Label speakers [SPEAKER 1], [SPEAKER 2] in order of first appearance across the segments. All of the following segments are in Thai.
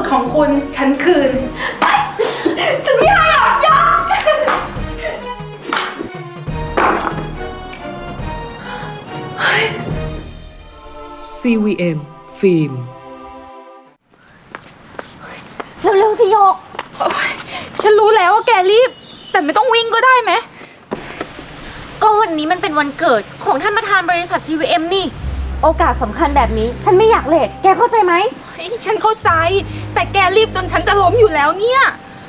[SPEAKER 1] ของคุณฉันคืนฉันไม่ให้หรอกยอม
[SPEAKER 2] CVM ฟิล์ม
[SPEAKER 3] เร็วๆสิโยก
[SPEAKER 1] ฉันรู้แล้วว่าแกรีบแต่ไม่ต้องวิ่งก็ได้ไหม
[SPEAKER 3] ก็วันนี้มันเป็นวันเกิดของท่านประธานบริษัท CVM นี่โอกาสสำคัญแบบนี้ฉันไม่อยากเลทแกเข้าใจไหม
[SPEAKER 1] ฉันเข้าใจแต่แกรีบจนฉันจะล้มอยู่แล้วเนี่ย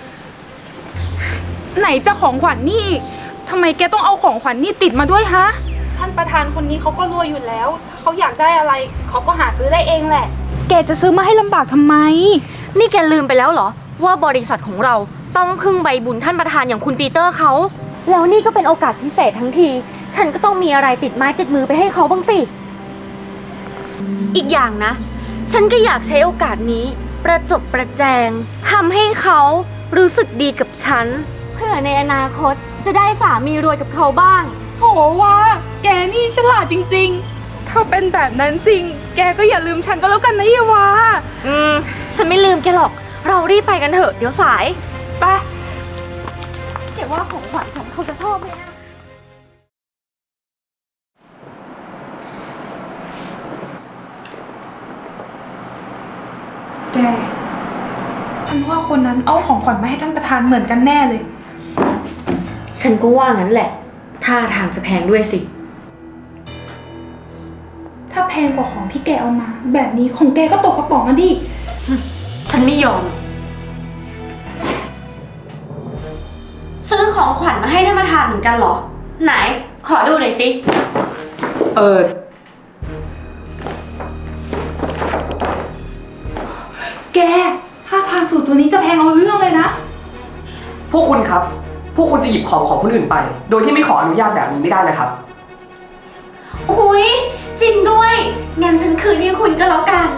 [SPEAKER 1] ไหนจะของขวัญนี่อีกทำไมแกต้องเอาของขวัญนี่ติดมาด้วยฮะท่านประธานคนนี้เขาก็รวยอยู่แล้วถ้าเขาอยากได้อะไรเขาก็หาซื้อได้เองแหละแกจะซื้อมาให้ลำบากทำไม
[SPEAKER 3] นี่แกลืมไปแล้วเหรอว่าบริษัทของเราต้องพึ่งใบบุญท่านประธานอย่างคุณปีเตอร์เขาแล้วนี่ก็เป็นโอกาสพิเศษทั้งทีฉันก็ต้องมีอะไรติดไม้ติดมือไปให้เขาบ้างสิอีกอย่างนะฉันก็อยากใช้โอกาสนี้ประจบประแจงทำให้เขารู้สึกดีกับฉันเพื่อในอนาคตจะได้สามีรวยกับเขาบ้าง
[SPEAKER 1] โหว่าแกนี่ฉลาดจริงๆถ้าเป็นแบบนั้นจริงแกก็อย่าลืมฉันก็แล้วกันนะเยวา
[SPEAKER 3] ฉันไม่ลืมแกหรอกเรารีบไปกันเถอะเดี๋ยวสาย
[SPEAKER 1] ไป
[SPEAKER 3] แต่ว่าของขวัญฉันเขาจะชอบไหมนะ
[SPEAKER 1] แกฉันว่าคนนั้นเอาของขวัญมาให้ท่านประธานเหมือนกันแน่เลย
[SPEAKER 3] ฉันก็ว่างั้นแหละท่าทางจะแพงด้วยสิ
[SPEAKER 1] ถ้าแพงกว่าของที่แกเอามาแบบนี้ของแกก็ตกกระป๋องอ่ะดิ
[SPEAKER 3] ฉันไม่ยอมซื้อของขวัญมาให้ท่านประธานเหมือนกันเหรอไหนขอดูหน่อยสิ
[SPEAKER 1] แกถ้าทางสูตรตัวนี้จะแพงเอาเรื่องเลยนะ
[SPEAKER 4] พวกคุณครับพวกคุณจะหยิบของคนอื่นไปโดยที่ไม่ขออนุญาตแบบนี้ไม่ได้นะครับ
[SPEAKER 3] อุ๊ยจริงด้วยงั้นฉันคืนให้คุณก็แล้วกัน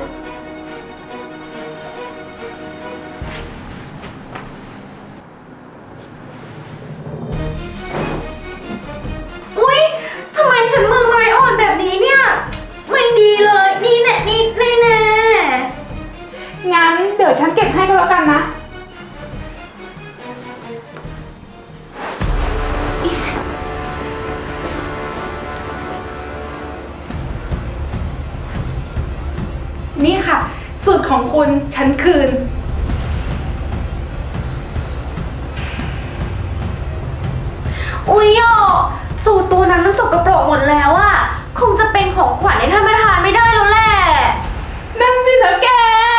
[SPEAKER 3] อุ๊ยทำไมฉันมือไม้อ่อนแบบนี้เนี่ยไม่ดีเลยนี่แน่นี่แน่
[SPEAKER 1] งั้นเดี๋ยวฉันเก็บให้ก็แล้วกันนะนี่ค่ะสูตรของคุณฉันคืน
[SPEAKER 3] อุ๊ยอ่ะสูตรตัวนั้นมันสกปรกหมดแล้วอะคงจะเป็นของขวัญให้ท่านประธานไม่ได้แล้วแหละ
[SPEAKER 1] นั่นสินะแก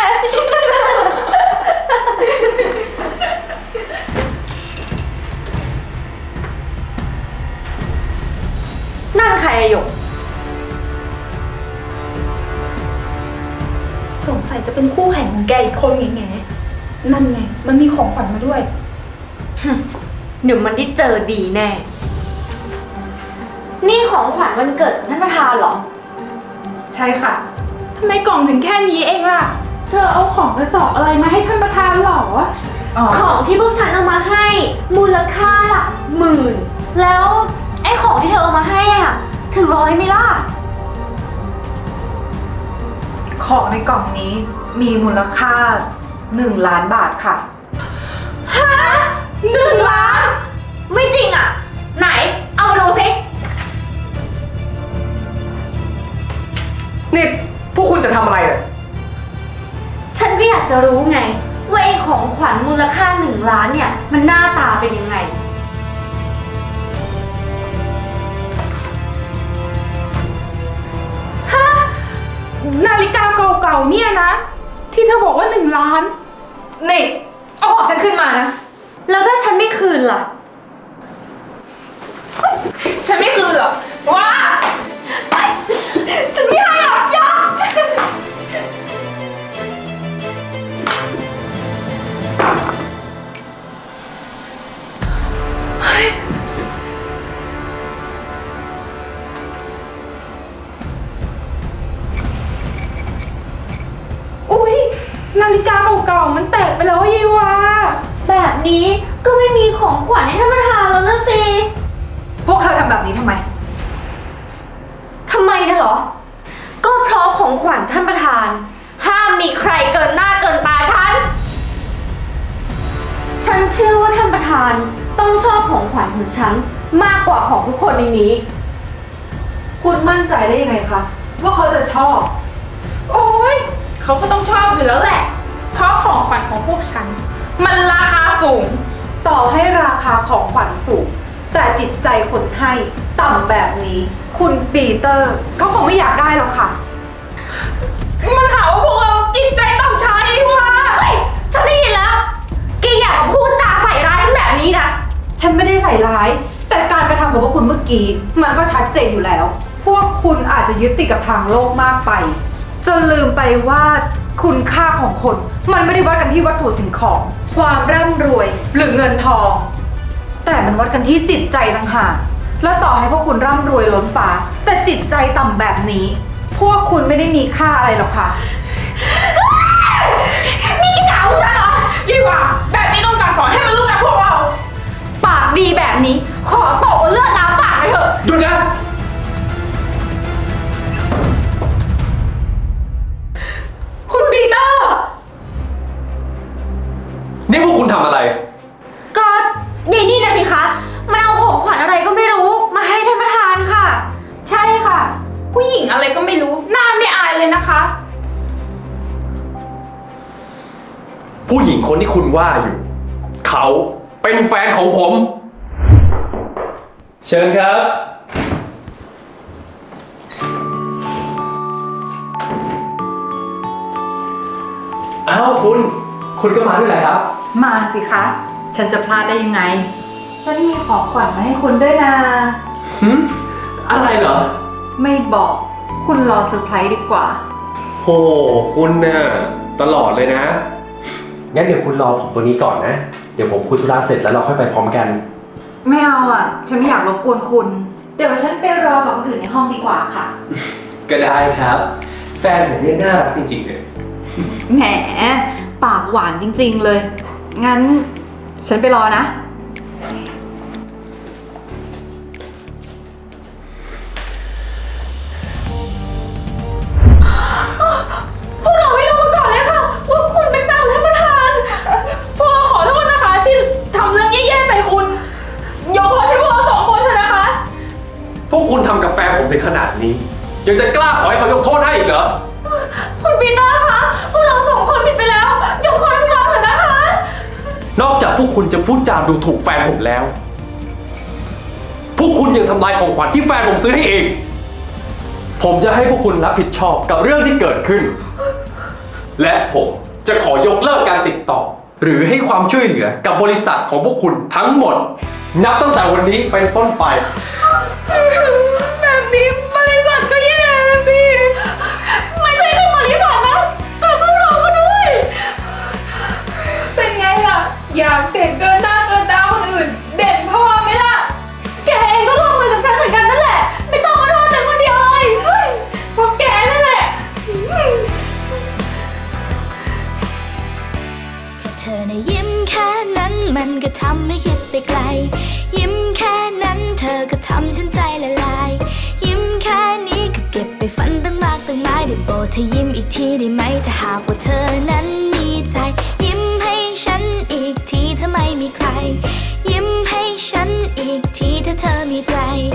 [SPEAKER 3] นั่นใครอะหยก
[SPEAKER 1] สงสัยจะเป็นคู่แข่งของแกอีกคนไงนั่นไงมันมีของขวัญมาด้วย
[SPEAKER 3] เดี๋ยวมันได้เจอดีแน่นี่ของขวัญวันเกิดท่านประธานเหรอ
[SPEAKER 1] ใช่ค่ะทำไมกล่องถึงแค่นี้เองล่ะเธอเอาของกระจอกอะไรมาให้ท่านประธานหรอ
[SPEAKER 3] ของที่พวกฉันเอามาให้มูลค่าหลักหมื่นแล้วไอ้ของที่เธอเอามาให้อ่ะถึง100ไหมล่ะ
[SPEAKER 5] ของในกล่องนี้มีมูลค่า1 ล้านบาทค่ะ
[SPEAKER 3] ฮะ1 ล้านไม่จริงอ่ะไหนเอามาดูสิ
[SPEAKER 4] นี่พวกคุณจะทำอะไรเนี่ย
[SPEAKER 3] ฉันก็อยากจะรู้ไงว่าไอ้ของขวัญมูลค่า1 ล้านเนี่ยมันหน้าตาเป็นยังไง
[SPEAKER 1] นาฬิกาเก่าๆเนี่ยนะที่เธอบอกว่า1 ล้าน
[SPEAKER 5] นี่เอาของฉันขึ้นมานะ
[SPEAKER 3] แล้วถ้าฉันไม่คืนล่ะ
[SPEAKER 1] ฉันไม่คืนหรอกว้าฉันไม่ให้หรอกยอมนาฬิกาเก่าๆมันแตกไปแล้วยีวา
[SPEAKER 3] แบบนี้ก็ไม่มีของขวัญให้ท่านประธานแล้วนะสิ
[SPEAKER 5] พวกเธอทำแบบนี้ทำไม
[SPEAKER 3] นะเหรอก็เพราะของขวัญท่านประธานห้ามมีใครเกินหน้าเกินตาฉันนเชื่อว่าท่านประธานต้องชอบของขวัญของฉันมากกว่าของทุกคนในนี้
[SPEAKER 5] คุณมั่นใจได้ยังไงคะ ว่าเขาจะชอบ
[SPEAKER 1] โอ้ยเขาก็ต้องชอบอยู่แล้วแหละ เพราะของขวัญของพวกฉัน มันราคาสูง
[SPEAKER 5] ต่อให้ราคาของขวัญสูง แต่จิตใจคนให้ต่ำแบบนี้ คุณปีเตอร์เขาคงไม่อยากได้หรอกค่ะ
[SPEAKER 1] มันหาว่าพวกเราจิตใจต่ำช้าอีกว่า
[SPEAKER 3] ฉันได้ยินแล้วแกอยากมาพูดจาใส่ร้ายฉันแบบนี้นะ
[SPEAKER 5] ฉันไม่ได้ใส่ร้าย แต่การกระทำของพวกคุณเมื่อกี้ มันก็ชัดเจนอยู่แล้ว พวกคุณอาจจะยึดติดกับทางโลกมากไป จนลืมไปว่าคุณค่าของคน มันไม่ได้วัดกันที่วัตถุสิ่งของ ความร่ำรวยหรือเงินทอง แต่มันวัดกันที่จิตใจต่างหากและต่อให้พวกคุณร่ำรวยล้นฟ้า แต่จิตใจต่ำแบบนี้ พวกคุณไม่ได้มีค่าอะไรหรอกค่ะ
[SPEAKER 3] นี่แกด่าพวกฉันเหรอ
[SPEAKER 1] ยี่หว่าแบบนี้ต้องสั่งสอนให้มันรู้จักพวกเรา
[SPEAKER 3] ปากดีแบบนี้ ขอตบเอาเลือดล้างปากไปเถอะ
[SPEAKER 4] หยุดนะ
[SPEAKER 1] คุณปีเตอร์
[SPEAKER 6] นี่พวกคุณทำอะไร
[SPEAKER 3] ก็ยายนี่นะสิคะ มันเอาของขวัญอะไรก็ไม่รู้ มาให้ท่านประธานค่ะ
[SPEAKER 1] ใช่ค่ะ ผู้หญิงอะไรก็ไม่รู้หน้าไม่อายเลยนะคะ
[SPEAKER 6] ผู้หญิงคนที่คุณว่าอยู่ เขาเป็นแฟนของผม เชิญครับ อ้าวคุณก็มาด้วยแหละครับ
[SPEAKER 5] มาสิคะ ฉันจะพลาดได้ยังไง ฉันมีของขวัญมาให้คุณด้วยนะ
[SPEAKER 6] อะไรเหรอ
[SPEAKER 5] ไม่บอก คุณรอเซอร์ไพรส์ดีกว่า
[SPEAKER 6] โห คุณน่ะตลอดเลยนะ งั้นเดี๋ยวคุณรอผมตัวนี้ก่อนนะ เดี๋ยวผมคุยธุระเสร็จแล้วเราค่อยไปพร้อมกัน
[SPEAKER 5] ไม่เอาอ่ะ ฉันไม่อยากรบกวนคุณ เดี๋ยวฉันไปรอกับคนอื่นในห้องดีกว่าค่ะ
[SPEAKER 6] ก็ได้ครับ แฟนผมเนี่ยน่ารักจริงๆเลย
[SPEAKER 5] แหม ปากหวานจริงๆเลย งั้น ฉันไปรอนะ
[SPEAKER 1] พวกเราไม่รู้มาก่อนเลยค่ะว่าคุณเป็นแฟนท่านประธานพวกเราขอโทษนะคะที่ทำเรื่องแย่ๆใส่คุณยกโทษให้พวกเราสองคนเถอะนะคะ
[SPEAKER 6] พวกคุณทำกับแฟนผมถึงขนาดนี้ ยังจะกล้าขอให้เขายกโทษให้อีกเหรอ
[SPEAKER 3] คุณปีเตอร์คะ พวกเราสองคนผิดไปแล้ว ยกโทษให้พวกเราเถอะนะคะ
[SPEAKER 6] นอกจากพวกคุณจะพูดจาดูถูกแฟนผมแล้ว พวกคุณยังทำลายของขวัญที่แฟนผมซื้อให้เอง ผมจะให้พวกคุณรับผิดชอบกับเรื่องที่เกิดขึ้น และผมจะขอยกเลิกการติดต่อ หรือให้ความช่วยเหลือกับบริษัทของพวกคุณทั้งหมด นับตั้งแต่วันนี้เป็นต้นไป
[SPEAKER 1] แบบนี้บริษัทก็แย่สิ
[SPEAKER 3] ไม่ใช่แค่บริษัทนะแต่พวกเราก็ด้วย
[SPEAKER 1] เป็นไงล่ะ อยากเด่นเกินหน้าเกินตาคนอื่น เด่นพอไหมล่ะ
[SPEAKER 3] แกเองก็ร่วมมือกับฉันเหมือนกันนั่นแหละ ไม่ต้องมาโทษฉันคนเดียวเลยเฮ้ย
[SPEAKER 1] พวกแกนั่นแหละ
[SPEAKER 7] เธอในะยิ้มแค่นั้นมันก็ทำให้คิดไปไกล ยิ้มแค่นั้นเธอก็ทำฉันใจละลาย ยิ้มแค่นี้ก็เก็บไปฝันตั้งมากตั้งหลายได้โปรดเธอยิ้มอีกทีได้ไหมถ้าหากว่าเธอนั้นมีใจ ยิ้มให้ฉันอีกทีถ้าไม่มีใคร ยิ้มให้ฉันอีกทีถ้าเธอมีใจ